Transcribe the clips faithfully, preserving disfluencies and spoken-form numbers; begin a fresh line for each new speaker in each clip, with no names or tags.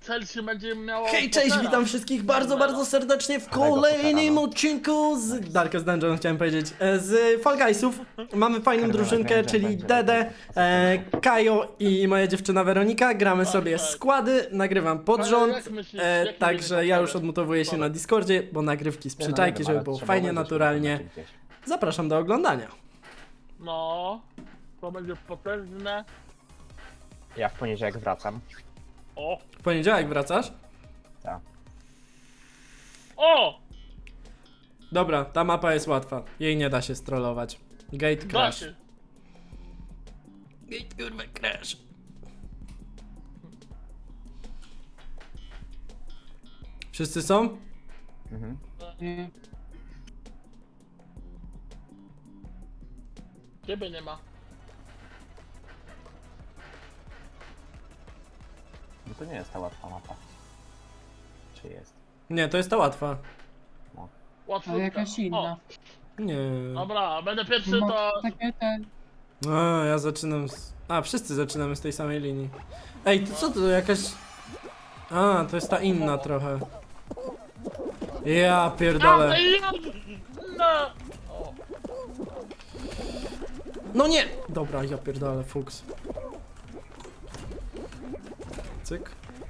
Chelsea będzie miało...
Hej, cześć,
Pottera.
witam wszystkich bardzo, bardzo serdecznie w kolejnym odcinku z Darkest Dungeon, chciałem powiedzieć, e, z Fall Guysów. Mamy fajną drużynkę, czyli Dede, e, Kajo i moja dziewczyna Weronika. Gramy sobie składy, nagrywam pod
Ale
rząd,
jak myślisz,
e,
jaki będzie
także ja już
skład?
odmutowuję się na Discordzie, bo nagrywki z przyczajki, żeby było fajnie, naturalnie. Zapraszam do oglądania.
No, to będzie potężne.
Ja w poniedziałek wracam.
O!
W poniedziałek wracasz?
Tak.
O!
Dobra, ta mapa jest łatwa, jej nie da się strollować. Gate
Da
crash.
się.
Gate kurwa crash. Wszyscy są?
Mhm.
Ciebie nie ma.
No to nie jest ta łatwa mapa. Czy jest?
Nie, to jest ta łatwa.
Łatwo.
Ale jakaś inna.
Nie.
Dobra, będę pierwszy,
Ma
to...
takie te...
A, ja zaczynam z... A, wszyscy zaczynamy z tej samej linii. Ej, to co to jakaś... A, to jest ta inna trochę. Ja pierdolę.
A, ja- No! O,
No nie! Dobra, ja pierdolę, fuks. Cyk.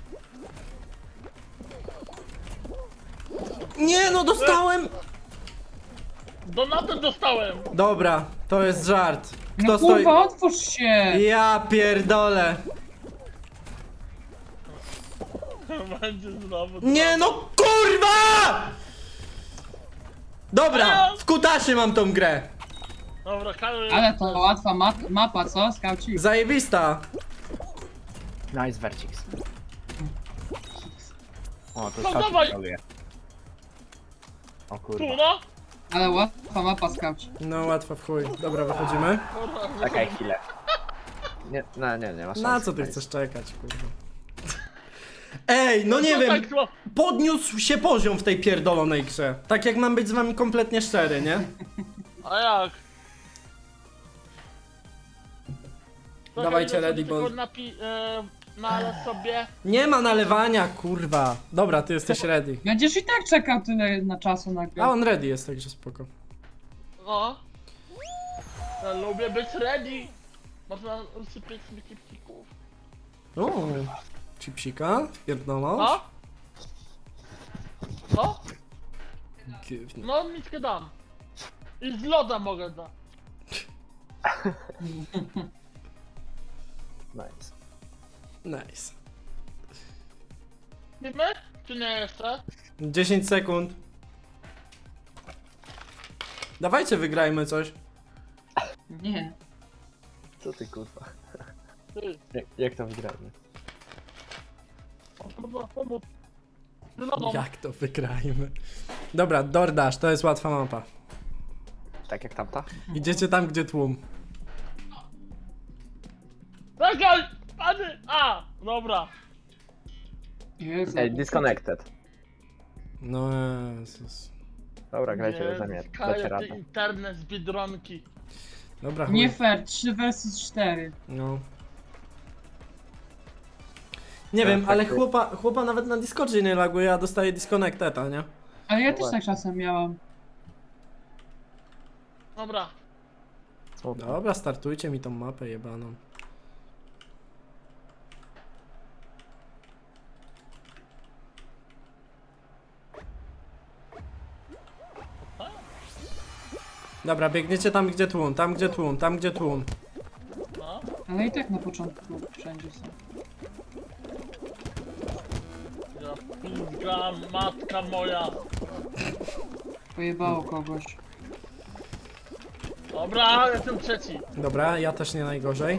Nie, no dostałem!
Donatę dostałem!
Dobra, to jest żart. Kto
No
stoi...
kurwa, otwórz się!
Ja pierdolę.
Będzie znowu...
Nie no kurwa! Dobra, w kutasie mam tą grę.
Dobra, Karol...
Ale to łatwa map mapa, co? Skauci?
Zajebista.
Nice Vercix. O, to
No
skauci
dawaj!
troluje. O
Tu,
kurwa.
no!
Ale łatwa mapa skauci.
No łatwo w chuj. Dobra, wychodzimy.
Kurwa,
Czekaj chwilę. Nie, no nie, nie ma szans.
Na co ty chcesz czekać, kurwa? Ej, no nie
to
wiem.
tak zło-
Podniósł się poziom w tej pierdolonej grze. Tak jak mam być z wami kompletnie szczery, nie?
A jak?
Dawajcie
Czekaj,
ready,
tylko
bo...
Napi... E, nalać sobie...
Nie ma nalewania, kurwa. Dobra, ty jesteś ready.
Będziesz i tak czekał tyle na czasu na grę.
A on ready jest, także spoko.
No. Ja lubię być ready. Można usypiać sobie kipcików.
O, chipsika, pierdolą.
No? No?
Gówno.
No, miskę dam. I z loda mogę dać.
Nice.
Nice.
Wiemy? Czy nie jeszcze?
dziesięć sekund. Dawajcie, wygrajmy coś.
Nie.
Co ty kurwa?
Ty,
Jak, jak to wygramy?
można pomóc. Z lodą.
Jak to wygrajmy? Dobra, DoorDash, to jest łatwa mapa.
Tak jak tamta?
Idziecie tam, gdzie tłum.
Czekaj! Pany! A! Dobra.
Jezu.
Ej, disconnected.
No Jezus.
Dobra, grajcie
Jezus,
beze mnie. Dacie
Kaja, ty
radę.
internet z Biedronki.
Dobra, chuj.
Nie fair, trzy versus cztery.
No. Nie
Tak,
wiem,
tak,
ale
tak.
chłopa, chłopa nawet na Discordzie nie laguje, a dostaje disconnecteta, nie?
Ale ja
No
też
właśnie.
tak czasem miałam.
Dobra.
Smutno.
Dobra, startujcie mi tą mapę jebaną. Dobra, biegniecie tam gdzie tłum, tam gdzie tłum, tam gdzie tłum.
No.
Ale i tak na początku wszędzie są.
Ja pizga, matka moja.
Pojebało kogoś.
Dobra, jestem trzeci.
Dobra, ja też nie najgorzej.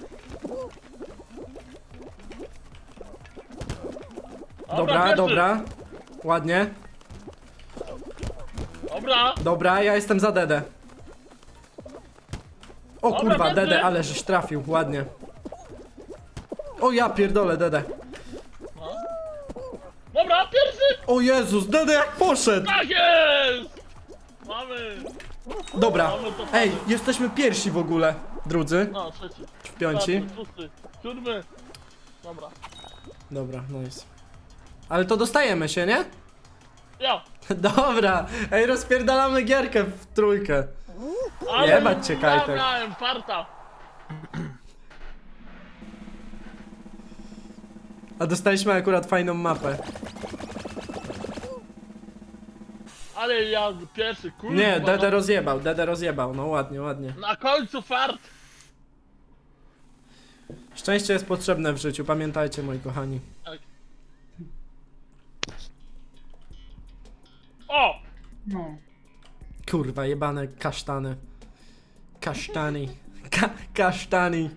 Dobra,
pierwszy.
dobra. Ładnie.
Dobra.
Dobra, ja jestem za Dedę. O
Dobra,
kurwa,
Dedy.
Dedę, ale żeś trafił, ładnie. O ja pierdolę, Dedę.
No. Dobra, pierwszy.
O Jezus, Dede jak poszedł!
Tak jest! Mamy.
Dobra,
Mamy to.
ej, jesteśmy pierwsi w ogóle, drudzy,
No, trzeci.
w piąci.
Czwarty, szósty, siódmy. Dobra.
Dobra, nice. Ale to dostajemy się, nie?
Ja.
Dobra, ej, rozpierdalamy gierkę w trójkę.
Ale
Jebać cię, Kajtek.
Ja miałem farta.
A dostaliśmy akurat fajną mapę.
Ale ja pierwszy, kurwa.
Nie, Dede
no.
rozjebał, Dede rozjebał, no ładnie, ładnie.
Na końcu fart.
Szczęście jest potrzebne w życiu, pamiętajcie, moi kochani.
Tak. O!
No.
Kurwa, jebane kasztany. Kasztani. Ka kasztani.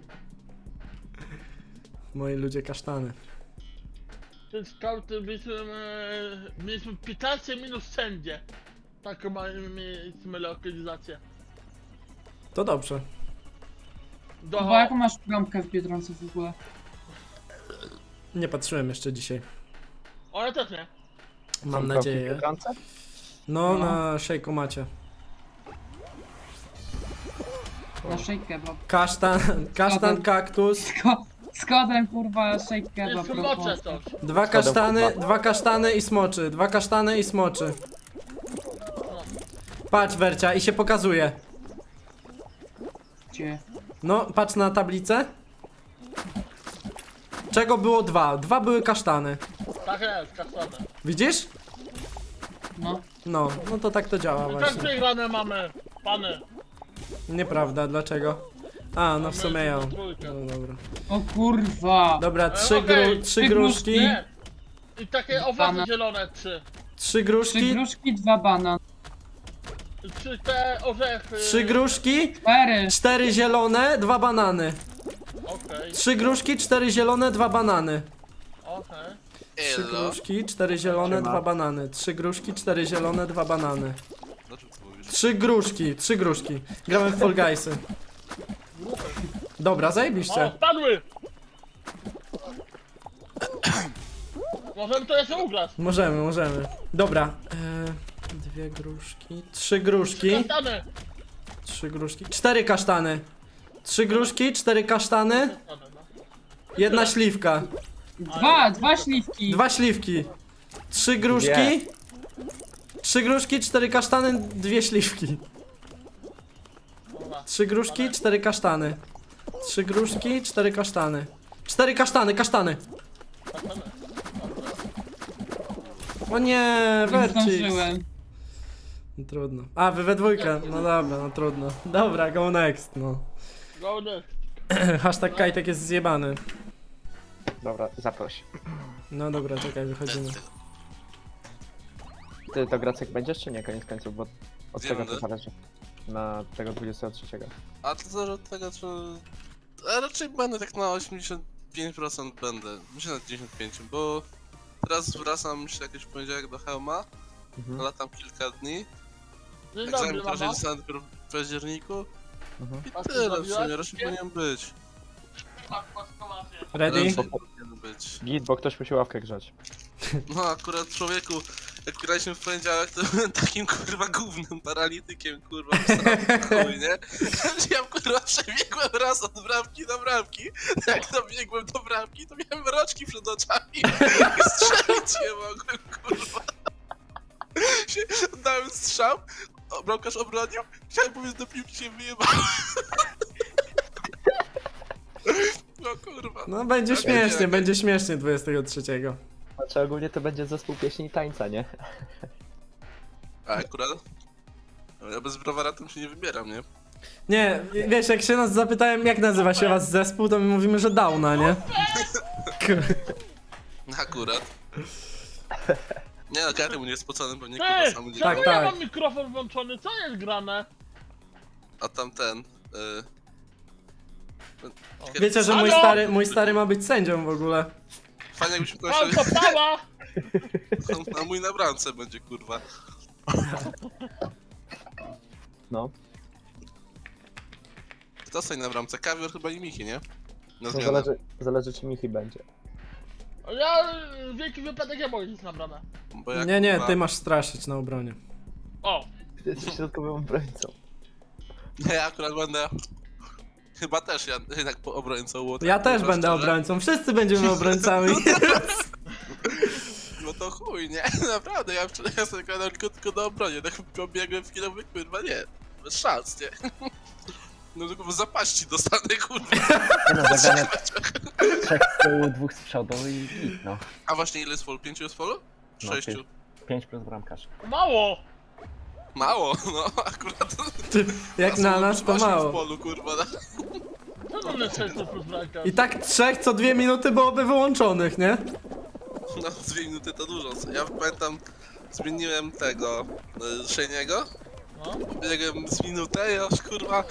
Moi ludzie kasztany.
Ten skauty mieliśmy, e, mieliśmy piętnaście minut wszędzie. Taką mamy- mieliśmy lokalizację.
To dobrze.
Do...
Bo jaką masz bramkę w Biedronce w ogóle?
Nie patrzyłem jeszcze dzisiaj.
O, ja też nie.
Mam
Są
nadzieję.
kroki w Biedronce?
No,
No.
na szejku macie.
Na shake kebab.
Kasztan, kasztan, kaktus.
Sko z kodem kurwa shake kebab.
Jest mocze coś.
Dwa kasztany, dwa kasztany i smoczy. Dwa kasztany i smoczy. Patrz, Wercia, i się pokazuje.
Gdzie?
No, patrz na tablicę. Czego było dwa? Dwa były kasztany.
Tak jest, kasztany.
Widzisz?
No.
No, no to tak to działa
I tak
właśnie.
przegrane mamy, pany.
Nieprawda, dlaczego? A, no w sumie ja. No dobra.
O kurwa.
Dobra, trzy,
okej,
gru, trzy
trzy
gruszki.
Nie. I takie owoce
Banan.
zielone trzy.
Trzy
Trzy
gruszki.
gruszki, dwa banan.
Trzy te orzechy.
Trzy gruszki.
Cztery.
Cztery zielone, dwa banany.
Okej,
Trzy gruszki, cztery zielone, dwa banany.
okej.
Trzy gruszki, cztery zielone,
Siema.
dwa banany. Trzy gruszki, cztery zielone, dwa banany.
Dlaczego ty mówisz?
Trzy gruszki, trzy gruszki. Gramy w Fall Guysy. Dobra,
O,
zajebiście.
spadły! Możemy to jeszcze ugrać.
Możemy, możemy. Dobra. E, dwie gruszki, trzy gruszki,
Kasztany.
trzy gruszki, cztery kasztany. Trzy gruszki, cztery kasztany,
Kasztany, no.
jedna śliwka.
Dwa, dwa śliwki.
Dwa śliwki. Trzy gruszki.
Dwie.
Trzy gruszki, cztery kasztany, dwie śliwki.
Dobra.
Trzy gruszki, cztery kasztany. Trzy gruszki, cztery kasztany. Cztery kasztany, kasztany.
Kasztany.
O nie,
Nie
Vercix.
zdążyłem.
Trudno. A, wy we dwójkę. No dobra, no trudno. Dobra, go next, no.
Go next.
Hashtag Kajtek jest zjebany.
Dobra, zaproś.
No dobra, czekaj, wychodzimy.
Ty to Gracek będziesz czy nie, koniec końców, bo od
Gdzie
czego to
będę?
zależy? Na tego dwudziestego trzeciego.
A to zależy od tego, czy... A raczej będę tak na osiemdziesiąt pięć procent będę. Myślę na dziewięćdziesiąt pięć procent, bo teraz wracam myślę jakiś poniedziałek do Helma.
Mhm.
Latam kilka dni.
Dzień
Egzamin
dobry,
proszę
mama.
dostanę dopiero w październiku.
Mhm.
I
A ty
tyle w
zrobiłaś
sumie, raczej
wszystkie?
powinien być.
Ready?
Raczej powinien być.
Git, bo ktoś musi ławkę grzać.
No akurat człowieku, jak graliśmy w poniedziałek, to byłem takim kurwa głównym paralitykiem, kurwa, w chuj, nie? Ja kurwa przebiegłem raz od bramki do bramki, jak dobiegłem do bramki, to miałem roczki przed oczami i strzelić nie mogłem, kurwa. Się, dałem strzał, o, bramkarz obronił, chciałem powiedzieć do piłki się wyjebałem. No kurwa.
No będzie
Tak,
śmiesznie,
tak.
będzie śmiesznie dwudziestego trzeciego.
Znaczy ogólnie to będzie zespół pieśni i tańca, nie?
A akurat? Ja bez browara tam się nie wybieram, nie?
Nie, wiesz, jak się nas zapytałem, jak nazywa się was zespół, to my mówimy, że Downa, nie? Kur-
Akurat. Nie no, Gary mu nie jest spocony, bo nie
Ty,
kurwa sam nie.
Tak,
czemu ja
tak.
mam mikrofon włączony? Co jest grane?
A tamten. Y...
Wiecie, że mój
Halo?
stary, mój stary ma być sędzią w ogóle.
Fajnie jakbyśmy
Mam
kończyli.
to pała!
A mój na bramce będzie kurwa.
No.
Kto stoi na bramce? Kawior chyba i Michi, nie? Na
No
zmianę.
zależy, zależy czy Michi będzie.
Ja w wielki wypadek ja mogę iść na bramę.
Bo jak,
Nie, nie,
kurwa-
ty masz straszyć na obronie.
O!
Ty jesteś środkowym obrońcą.
Nie, ja akurat będę. Chyba też ja jednak po obrońcą było. tak
Ja też
kurwa,
będę
szczerze.
obrońcą, wszyscy będziemy obrońcami.
No to chuj, nie? Naprawdę, ja wczoraj ja sobie gadałem tylko, tylko na obronie, tak pobiegłem w kino, mówię, kurwa, nie, bez szans, nie? No tylko w zapaści dostanę, kurwa.
Nie no, zagrane trzech z tyłu, dwóch z przodu i git, no.
A właśnie ile jest folu? Pięciu jest folu?
No,
Sześciu.
pięć- Pięć plus bramkarz.
Mało!
Mało, no akurat.
Ty, jak na nas to
Osiem w
mało.
polu, kurwa, no.
Co mamy sześciu plus bramka?
I tak trzech co dwie minuty byłoby wyłączonych, nie?
No, dwie minuty to dużo. Ja pamiętam, zmieniłem tego, y, Szejniego.
No.
Biegłem z minutę i aż kurwa,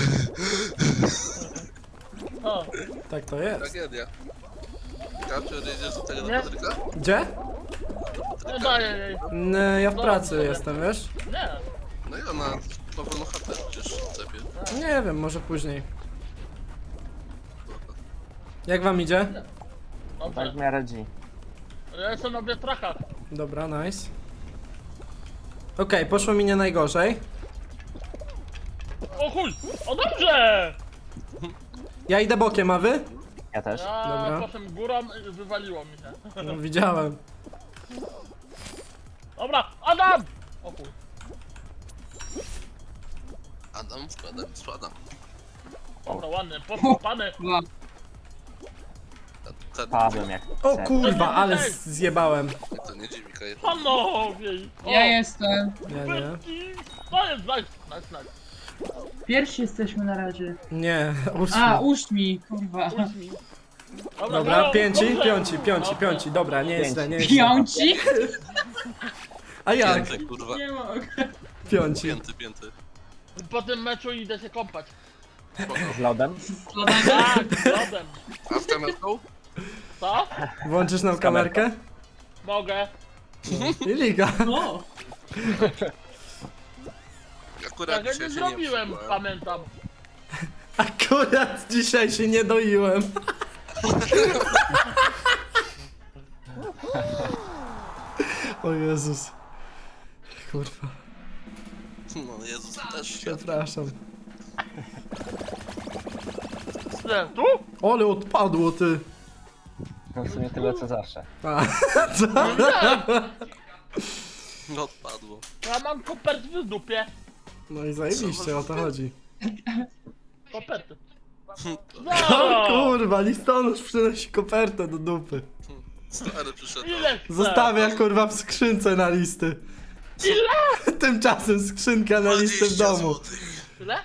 O,
Tak to jest.
tragedia. Kapcior, jedziesz do tego do
Nie.
Patryka?
Gdzie?
nie daję jej.
N- Ja w pracy jestem, wiesz?
Nie.
No i ona ma wolną chatę przecież w cepie.
Nie wiem, może później. Jak wam idzie?
Tak w
Dobrze.
miarę G.
Ja jestem na wiatrakach.
Dobra, nice. Okej, poszło mi nie najgorzej.
O chuj! O dobrze!
Ja idę bokiem, a wy?
Ja też.
Ja
Dobra.
potem górą i wywaliło mi się.
No, widziałem.
Dobra, Adam! O chuj.
Adam, składam, składam.
Dobra, ładny, podkopany.
Dwa.
Ta, ta,
Padłem jak
O
ser.
kurwa, ale zjebałem.
to nie dziwi, Kaj.
Panowie! O,
Ja jestem.
Nie, nie.
pyski. To jest nice, nice, nice.
Pierwsi jesteśmy na razie.
Nie,
A,
ósmy.
uść mi, kurwa.
Puść mi.
Dobra,
Halo,
pięci,
dobrze.
piąci, piąci,
Dobra.
piąci. Dobra, nie jest źle, nie jest źle.
Piąci?
A jak?
Pięty, kurwa.
Nie mogę.
Piąci.
Pięty, pięty.
Po tym meczu idę się kąpać.
Spoko.
Z lodem?
Składanie?
Tak, z lodem.
A z kamerką?
Co?
Włączysz nam kamerkę?
Mogę.
I liga.
No.
Akurat
Tak, ja
dzisiaj
nie
się
zrobiłem,
przybyłem.
pamiętam.
Akurat dzisiaj się nie doiłem. O Jezus. Kurwa,
No Jezus, też świat.
przepraszam.
Nie, tu?
Ole odpadło ty.
No w sumie tyle co zawsze.
A, co?
No odpadło.
Ja mam kopert w dupie.
No i zajebiście, o to chodzi.
Koperty.
O
No!
kurwa, listonosz przynosi kopertę do dupy.
Stary przyszedł.
Ile chcesz?
Zostawia kurwa w skrzynce na listy.
Ile?
Tymczasem skrzynka na listy w
dwadzieścia
domu.
złotych.
Ile?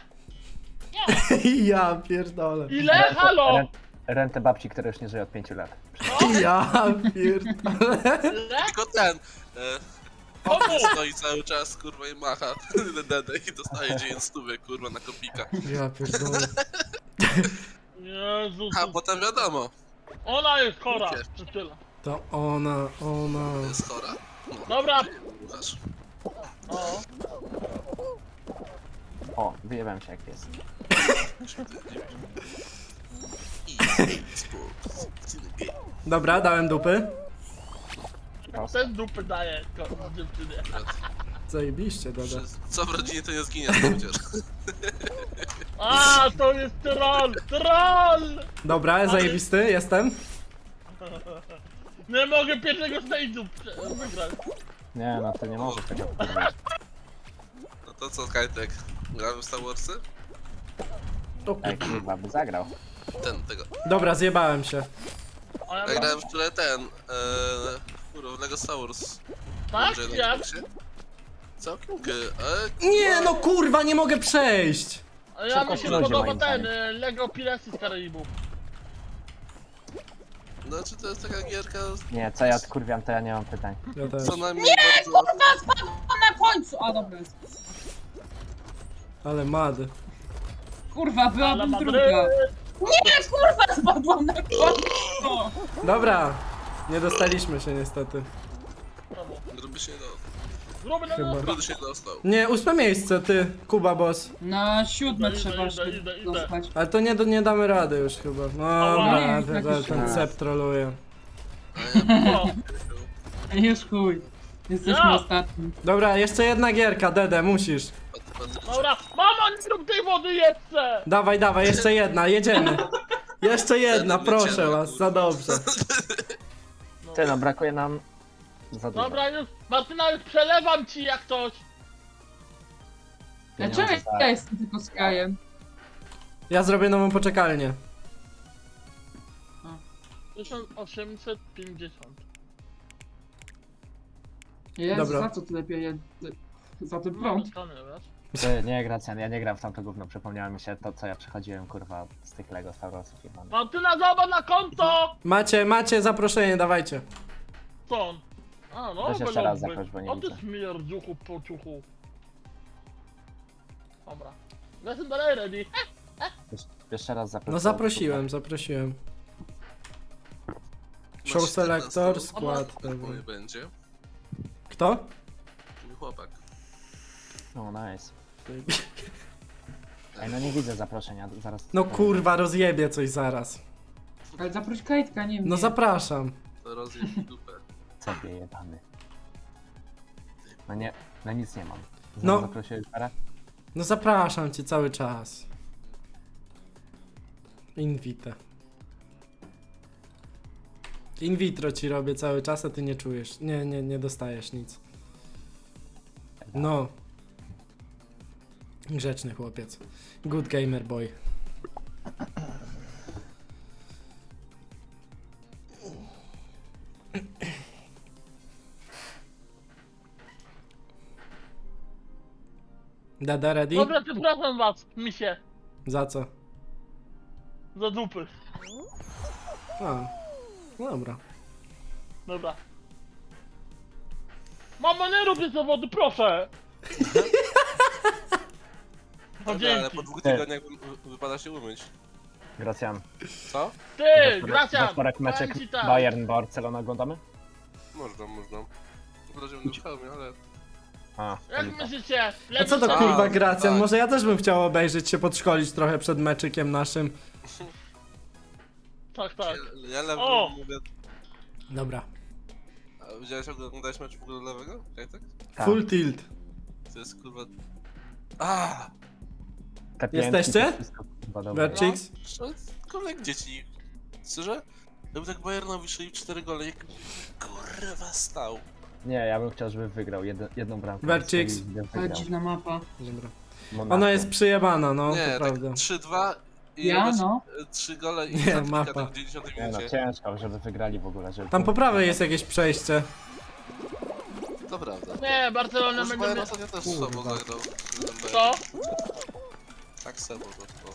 Ja pierdolę.
Ile? Halo!
Rent, rentę babci, która już nie żyje od pięciu lat.
Ja pierdolę.
Ile?
Tylko ten. E,
Komu?
stoi cały czas, kurwa, i macha dedę i dostaje dziewięć stówek, kurwa, na kopika.
Ja pierdolę.
Jezus.
A potem wiadomo,
Ona jest chora. Czy tyle?
To ona, ona.
jest chora. No,
Dobra.
Łukasz.
O.
O, wyjebałem się jak jest.
I sport.
Dobra, dałem dupy.
Ten dupy daje ko- dziewczynie.
Zajebiście, dada.
Co w rodzinie to nie zginie, przecież.
A, to jest troll! Troll!
Dobra, zajebisty, jestem.
Nie mogę pierwszego stage'u prze- wygrać.
Nie no, ty nie możesz tego powiedzieć.
No to co, Kajtek? Gramy w Star Warsy?
O,
Ej, kurwa, by zagrał.
Ten, tego.
dobra, zjebałem się.
A ja
Ja
mam...
grałem wczoraj ten, eee, kurwa, w Lego Star Wars.
Tak?
Będzie na
Jak?
Xboxie. Całkiem gry, ale...
Nie no kurwa, nie mogę przejść.
A ja mi się
Szybko
podoba
moim
ten,
zdaniem.
y, Lego Piracy z Karaibów.
Znaczy to jest taka gierka,
Nie, co ja odkurwiam, to ja nie mam pytań.
Ja też.
co najmniej bardzo...
Na końcu! A dobra.
Ale mad.
Kurwa,
Ale
byłabym
Madryt!
druga. Nie, kurwa, spadłam na końcu!
Dobra, nie dostaliśmy się niestety.
Gruby się do...
Gruby na
Chyba.
nos.
Gruby się dostał.
Nie, ósme miejsce, ty, Kuba Boss.
Na siódme
Idę,
trzeba
idę,
się
idę, idę.
dostać.
Ale to nie, do, nie damy rady już chyba. No dobra,
nie,
ten,
tak
ten, ten
już.
cep troluje.
O,
Już chuj. Jesteśmy
Ja.
ostatni.
Dobra, jeszcze jedna gierka, Dede, musisz.
Pat- pat-
dobra, mama, nie rób tej wody jeszcze!
Dawaj, dawaj, jeszcze jedna, jedziemy. Jeszcze jedna,
Będę
proszę
wycięła,
was, za
kurwa.
dobrze.
Ty no, brakuje nam Za dużo.
Dobra, już, Martyna, już przelewam ci jak coś.
Pieniądze
Dlaczego
za-
ja jestem tylko z krajem?
Ja zrobię nową poczekalnię.
tysiąc osiemset pięćdziesiąt.
Jezu,
Dobra.
za co tyle pieniędzy? Za ten
No,
prąd.
dostanę, wiesz?
Ty, nie, Gracjan, ja nie gram w tamto gówno, przypomniałem mi się to, co ja przechodziłem, kurwa, z tych Lego Star Warsów jebany.
Martyna, zobacz na konto!
Macie, macie zaproszenie, dawajcie.
Co on? A, no,
Weź jeszcze raz zaproś, bo nie
O ty
widzę.
śmierdziuchu po ciuchu. Dobra. Jestem dalej ready.
Jeszcze, jeszcze raz zaproś.
No zaprosiłem, zaprosiłem. Show selector, skład.
Mój
Dobra.
będzie.
Kto?
Mój chłopak.
No, nice. Ej, no nie widzę zaproszenia, zaraz...
No kurwa, rozjebie coś zaraz.
Ale zaproś Kajtka, nie mnie.
No zapraszam.
To rozjeb mi dupę.
Sobie jebany. No nie, no nic nie mam.
No.
No. Zaprosiłeś parę?
No zapraszam cię cały czas. Invite. In vitro ci robię cały czas, a ty nie czujesz. Nie, nie, nie dostajesz nic. No. Grzeczny chłopiec. Good gamer boy. Dada ready?
Dobra, przepraszam was, misie.
Za co?
Za dupy.
A. No dobra.
Dobra. Mama, nie rób tej zawody, proszę! No
Dobra, ale
dzięki.
po dwóch tygodniach wy- wypada się umyć.
Gracjan.
Co?
Ty, Gracia!
Zasporek meczek
powiem ci tak.
Bayern Barcelona oglądamy?
Można, można. Na razie będę w hełmie, ale...
A,
Jak
to lipa.
myślicie?
A co
Lepiej
to
się-
kurwa
A,
Gracjan?
tak.
Może ja też bym chciał obejrzeć się, podszkolić trochę przed meczykiem naszym.
Tak, tak.
Ja, ja lewo
O!
mówię...
Dobra.
A widziałeś, oglądałeś mecz w ogóle lewego? Kajtek?
Tak.
Full tilt.
To jest kurwa... Aaa!
Te piętki,
Jesteście?
to wszystko, kurwa, dobre.
Verchix?
No, kolek dzieci. Szczerze? Jakby tak Bayernowi strzelił cztery gole, jak kurwa stał.
Nie, ja bym chciał, żeby wygrał jedno, jedną bramkę.
Verchix.
Strzelił, żeby
Ale
wygrał.
dziwna mapa.
Dobra.
Monaco.
Ona jest przyjebana, no,
Nie,
to
tak
prawda.
trzy dwa i
Ja,
robisz,
no.
e, trzy gole i
Nie,
certyfikat
mapa.
w dziewięćdziesiątej
Nie no,
minucie.
ciężko, żeby wygrali w ogóle, żeby...
Tam po prawej jest jakieś przejście.
To prawda.
Nie, Barcelona
Może
będzie...
Bayern
mia-
ostatnio też
Kurwa.
słabo zagrał.
Co?
Tak słabo, to, to.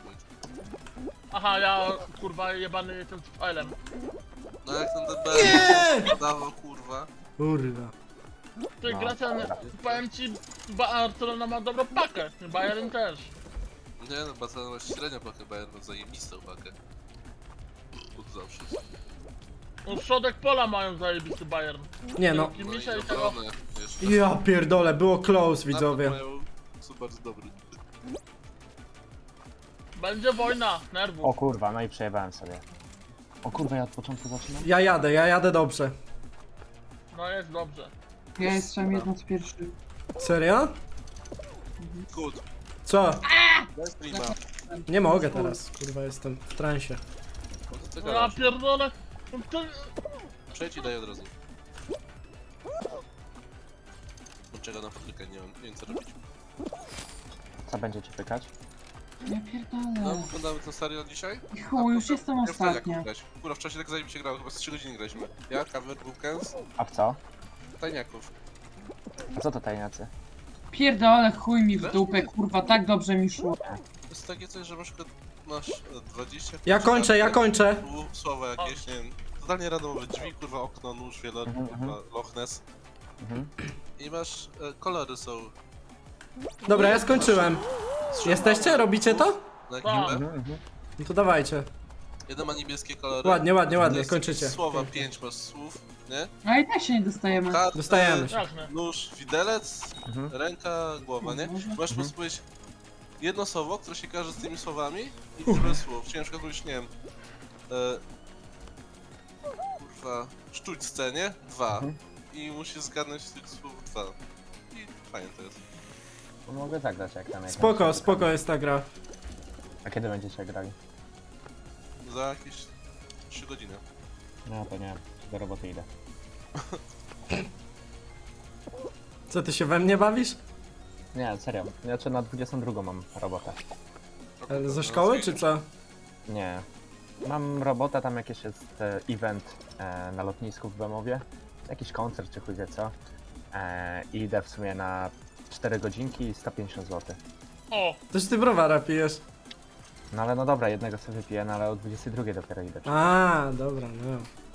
Aha, ja kurwa jebany jestem z failem.
No jak ten
Nie!
D B dawał kurwa.
Kurwa.
Ty,
No,
Gracia,
dobra.
powiem ci, Barcelona ma dobrą pakę. Bayern też.
Nie no, Barcelona ma średnio pakę, Bayern ma zajebistą pakę. Od zawsze.
No, środek pola mają zajebisty Bayern.
Nie no.
Dzięki
No i
Misza i tego...
obronę jeszcze.
Ja pierdolę, było close, widzowie.
Napad mają- Są bardzo dobry.
Będzie wojna,
O
nerwów.
kurwa, no i przejebałem sobie. O kurwa, ja od początku zaczynam?
Ja jadę, ja jadę dobrze.
No jest dobrze.
Ja jestem jedną z pierwszych.
Serio?
Good.
Co?
Daj streama.
Nie mogę teraz, kurwa, jestem w transie.
No to ty
No ja
gadasz.
pierdolę. Ty...
Przejdź i daj od razu. Czego na fabrykę, nie wiem, nie wiem co robić.
Co będziecie pykać?
Ja
No,
pierdolę.
oglądamy ten serial dzisiaj?
I chuj, już jestem
Ja wtedy jak
ostatnia.
grać. Kurwa, w czasie tak zajebiście grało, chyba z trzy godziny graliśmy. Ja, Kawer, Wukens,
A w co?
Tajniaków.
A co to tajniacy?
Pierdolę, chuj mi w dupę, kurwa, tak dobrze mi szło.
To jest takie coś, że na przykład masz e, dwadzieścia...
Ja kończę, ja kończę.
Tu słowa jakieś, nie wiem, totalnie randomowe drzwi, kurwa, okno, nóż, wieloryb,
Mhm,
kurwa, Loch Ness.
Mhm.
I masz, e, kolory są...
Dobra, ja skończyłem. Jesteście? Robicie to?
Na
Tak.
ekipę.
Mhm, mhm.
No to dawajcie.
Jeden ma niebieskie kolory.
Ładnie, ładnie,
To
ładnie,
jest
kończycie.
Słowa, pięć masz słów, nie?
A i tak się nie dostajemy.
Karty,
Dostajemy się.
Jasne.
nóż, widelec,
Mhm.
ręka, głowa, nie?
Mhm.
Możesz po prostu powiedzieć jedno słowo, które się kojarzy z tymi słowami i tyle słów. Czyli na przykład mówisz, nie wiem, e, kurwa, sztućce, nie? Dwa.
Mhm.
I musisz zgadnąć z tych słów dwa. I fajnie to jest.
No mogę zagrać jak tam jak
Spoko,
tam-
spoko jest ta gra.
A kiedy będziecie grali?
Za jakieś trzy godziny.
No to nie, do roboty idę.
Co, ty się we mnie bawisz?
Nie, serio. Znaczy na dwudziestą drugą mam robotę.
E, Ze szkoły, czy co?
Nie. Mam robotę, tam jakiś jest e, event e, na lotnisku w Bemowie. Jakiś koncert czy chuj wie co. E, I idę w sumie na cztery godzinki i sto pięćdziesiąt złotych.
O,
Toż ty browara pijesz.
No ale no dobra, jednego sobie wypiję, no ale o dwudziestej drugiej dopiero idę.
A, dobra, no.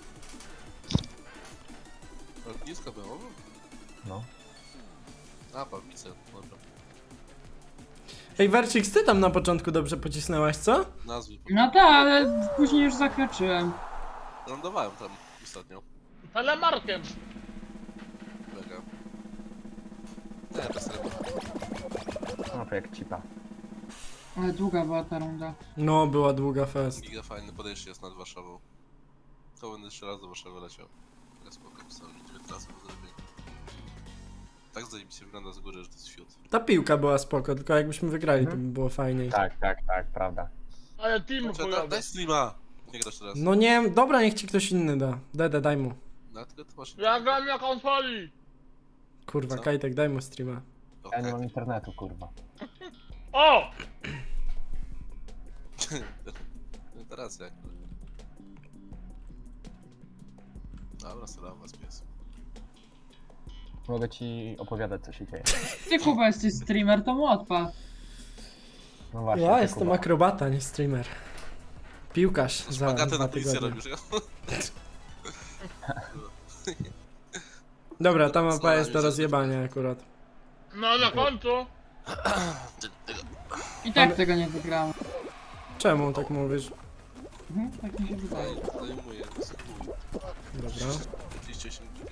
Lotnisko było?
No.
A, Pawlice, dobra.
Ej, Wercik, ty tam na początku dobrze pocisnęłaś, co?
Nazwy.
No tak, ale później już zakroczyłem.
Lądowałem tam ostatnio.
telemarkiem.
Mega. Nie, bez ryby.
No to jak cipa.
Ale długa była ta runda.
No, była długa fest.
Giga fajne podejście jest nad Warszawą. To będę jeszcze raz do Warszawy leciał. Ja spoko, ustawiam dziewięć razy po zrobieniu. Tak zajebiście wygląda z góry, że to jest fiut.
Ta piłka była spoko, tylko jakbyśmy wygrali, to by
Mhm.
było fajniej.
Tak, tak, tak, prawda.
Ale team
Znaczy, da,
chujowy.
daj streama! Nie grasz teraz.
No nie, dobra, niech ci ktoś inny da. Dede, daj mu.
No, tylko ty masz...
Ja gram na konsoli.
Kurwa,
Co?
Kajtek, daj mu streama.
Ja
Okej.
nie mam internetu, kurwa.
O!
No teraz jak? Dobra, sera was pies.
Mogę ci opowiadać co się dzieje.
Ty Kuba jesteś streamer, to mu odpal.
No właśnie.
Ja
ty,
jestem
Kuba.
akrobata, nie streamer. Piłkarz za
Szpagaty
dwa
na policję
tygodnie.
robisz.
Dobra, ta mapa
Znalazłem
jest do
się
rozjebania akurat.
No na końcu.
I tak tego nie wygrałem.
Czemu tak mówisz?
Mhm, tak mi się wydaje.
Zajmuję, skupuj.
Dobra.
trzydzieści osiem giga.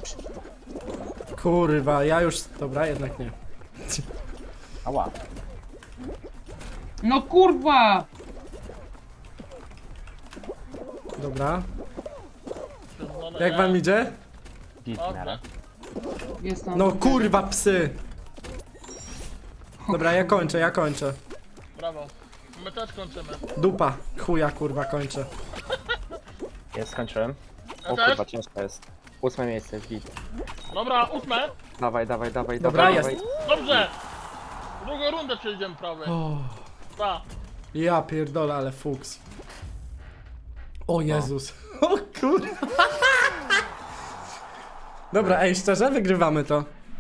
Kurwa, ja już... Dobra, jednak nie.
Ała.
No kurwa!
Dobra. Jak wam idzie?
Git,
Dobrze.
miarę.
Jest tam.
No kurwa, psy! Dobra, ja kończę, ja kończę.
Brawo. My też kończymy.
Dupa, chuja kurwa, kończę.
Ja skończyłem.
Ja
O
też?
kurwa, ciężko jest. Ósme miejsce jest git.
Dobra, ósme.
Dawaj, dawaj, dawaj,
Dobra,
dawaj.
jest.
dawaj.
Dobrze. Drugą rundę przejdziemy prawie.
O,
Ta.
ja pierdolę, ale fuks. O Jezus. O kurwa. Dobra, ej, szczerze, wygrywamy to.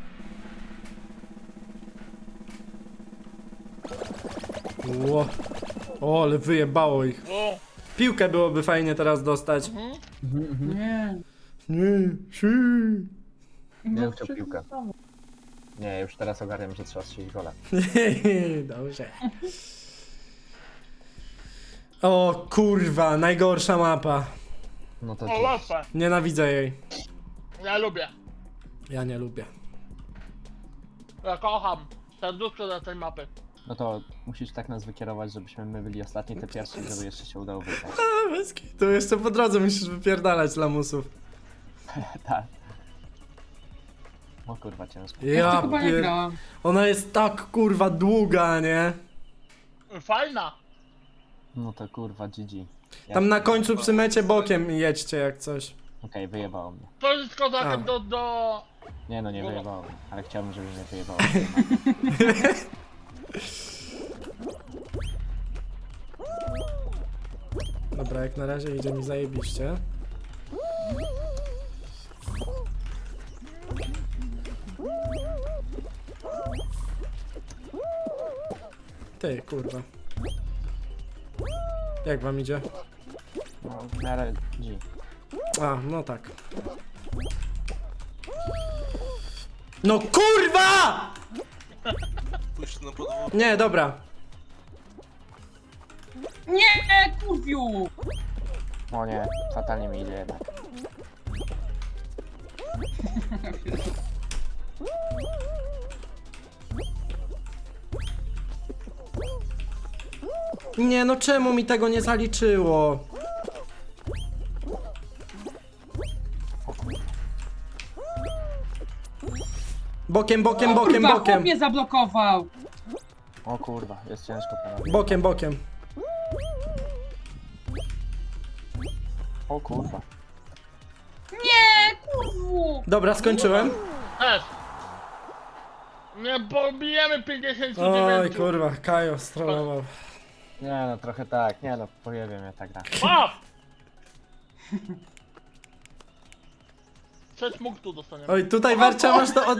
Ło. O, ale wyjebało ich.
O.
Piłkę byłoby fajnie teraz dostać.
Mhm.
Nie.
Nie, si.
Ja
No,
bym chciał piłkę. Nie, już teraz ogarniam, że trzeba strzelić gola.
Dobrze. O kurwa, najgorsza mapa.
No to
O,
dziś.
łatwe.
Nienawidzę jej.
Ja lubię.
Ja nie lubię.
Ja kocham. Serduszko dla tej mapy.
No to musisz tak nas wykierować, żebyśmy my byli ostatni, te pierwsi, żeby jeszcze się udało wygrać.
A, bez kitu, jeszcze po drodze musisz wypierdalać lamusów.
Tak. O kurwa, ciężko.
Ja
Ja
chyba nie
pier...
grałam.
Ona jest tak kurwa długa, nie?
Fajna.
No to kurwa, G G. Ja-
Tam na końcu przy mecie bokiem jedźcie jak coś.
Okej, wyjebało mnie.
To jest kozakiem
A.
do, do...
Nie no, nie
Gola.
wyjebało mnie, ale chciałbym, żeby mnie wyjebało.
Dobra, jak na razie idzie mi zajebiście. Ty, kurwa. Jak wam idzie?
No, w miarę G.
A, no tak. No kurwa!
Pójść na podwórko.
Nie, dobra.
Nie, kurwiu!
O nie, fatalnie mi idzie jednak.
Nie, no czemu mi tego nie zaliczyło? Bokiem, bokiem,
O
bokiem,
kurwa, chłop
bokiem.
mnie zablokował!
O kurwa, jest ciężko panowie.
Bokiem, bokiem.
O kurwa.
Nie, kurwu!
Dobra, skończyłem.
Też. Nie pobijemy pięćdziesiąt
Oj,
dziewięć.
kurwa, Kajo strollował.
Nie no, trochę tak, nie no, pojebie mnie ta gra.
A! Sześć punktów dostaniemy.
Oj, tutaj Wercia masz to od...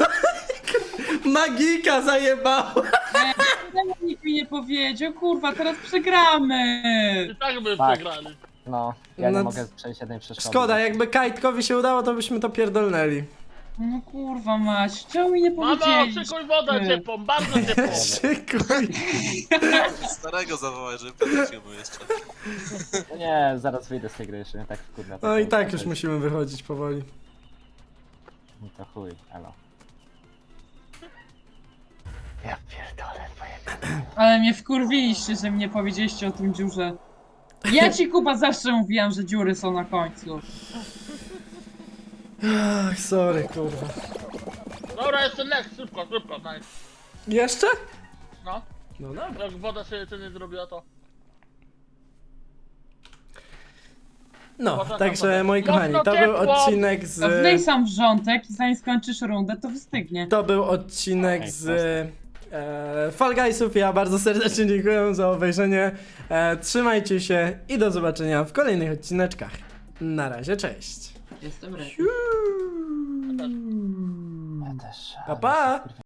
Magika zajebało!
Czemu nikt mi nie powiedział? Kurwa, teraz przegramy!
I tak by
Tak.
przegrali.
No, ja
No,
nie mogę przejść jednej przeszkody.
Szkoda, jakby Kajtkowi się udało, to byśmy to pierdolnęli.
No kurwa mać, czemu mi nie
Mamo,
powiedzieli?
szykuj wodę ciepłą, bardzo ciepłą.
Szykuj.
Starego zawołać, żeby podrzucił mu jeszcze.
No nie, zaraz wyjdę z tej gry, jeszcze mnie tak wkurwa.
No i tak już musimy wychodzić powoli.
No to chuj, elo. Ja pierdolę, pojebie.
Ale mnie wkurwiliście, że mi nie powiedzieliście o tym dziurze. Ja ci Kuba zawsze mówiłam, że dziury są na końcu.
Ach, sorry, kurwa.
Dobra, jeszcze next, szybko, szybko, nice.
Jeszcze?
No,
No dobra.
jak woda się jeszcze nie zrobiła, to...
No,
Poczekam
także
sobie.
moi kochani, to był
Mocno ciepło.
odcinek
Wlej
z...
sam wrzątek i zanim skończysz rundę, to wystygnie.
To był odcinek
Okej,
z e, Fall Guysów. Ja bardzo serdecznie dziękuję za obejrzenie. E, trzymajcie się i do zobaczenia w kolejnych odcineczkach. Na razie, cześć.
Jestem ready.
Ja też.
Pa, pa.